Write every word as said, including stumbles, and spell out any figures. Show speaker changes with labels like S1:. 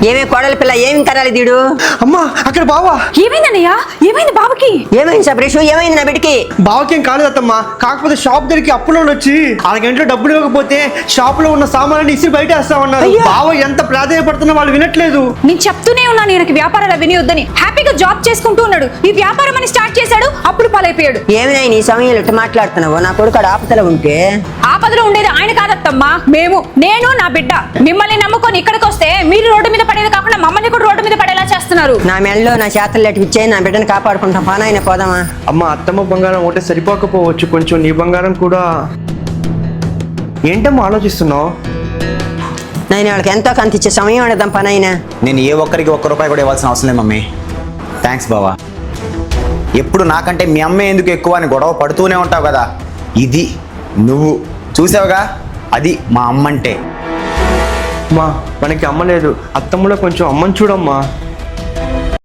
S1: ఏమే కోడలి పిల్ల ఏమి కనాలి దీడు?
S2: అమ్మా అక్కడ బావా.
S3: ఏమైందన్నయ్యా? ఏమైంది బాబుకి?
S1: ఏమైంది సబ్రేషు? ఏమైంది నా బిడ్డకి?
S2: బావకేం కాలేదు అత్తమ్మా, కాకపోతే షాప్ దగ్గరికి అప్పులో వచ్చి అరగంటలో డబ్బులు ఇవ్వకపోతే షాప్ లో ఉన్న సామాన్లు ఇసి బయట వేస్తామన్నారు. బావ ఎంత ప్రాధాన్యపడుతున్నా వాళ్ళు వినట్లేదు.
S3: నేను చెప్తూనే ఉన్నాను ఈయనకి వ్యాపారాలు వినియొద్దని. హ్యాపీగా జాబ్ చేసుకుంటూ ఉన్నాడు, ఈ వ్యాపారం అని స్టార్ట్ చేశాడు, అప్పుడు పాలైపోయాడు.
S1: ఏమైనా నీ సమయంలో ఇట్లా మాట్లాడుతున్నావు? నా కొడుకు ఆపదలో ఉంటే
S3: ఆపదలో ఉండేది ఆయన కాదత్తమ్మా, మేము. నేను నా బిడ్డ మిమ్మల్ని నమ్ముకొని ఇక్కడికి వస్తే మీరు రోడ్డు మీద పడేది కాకుండా మమ్మల్ని కూడా రోడ్డు మీద పడేలా చేస్తున్నారు.
S1: నా మెళ్ళలో నా చేతలు లెట్ ఇచ్చే నా బిడ్డను కాపాడుకుంటాం. పానాయన పోదామా?
S2: అమ్మ అత్తమ్మ బంగారం ఒకటే సరిపోకపోవచ్చు, కొంచెం నీ బంగారం కూడా. ఏంటమ్మా ఆలోచిస్తున్నావు?
S1: నేను వాళ్ళకి ఎంతో కంత ఇచ్చే సమయం అడదాం పనైనా.
S4: నేను ఏ ఒక్కరికి ఒక్క రూపాయి కూడా ఇవ్వాల్సిన అవసరం లేదు మమ్మీ. థ్యాంక్స్ బావా. ఎప్పుడు నాకంటే మీ అమ్మే ఎందుకు ఎక్కువ అని గొడవ పడుతూనే ఉంటావు కదా, ఇది నువ్వు చూసావుగా, అది మా అమ్మ అంటే.
S2: అమ్మా మనకి అమ్మ లేదు, అత్తమ్మలో కొంచెం అమ్మని చూడమ్మా.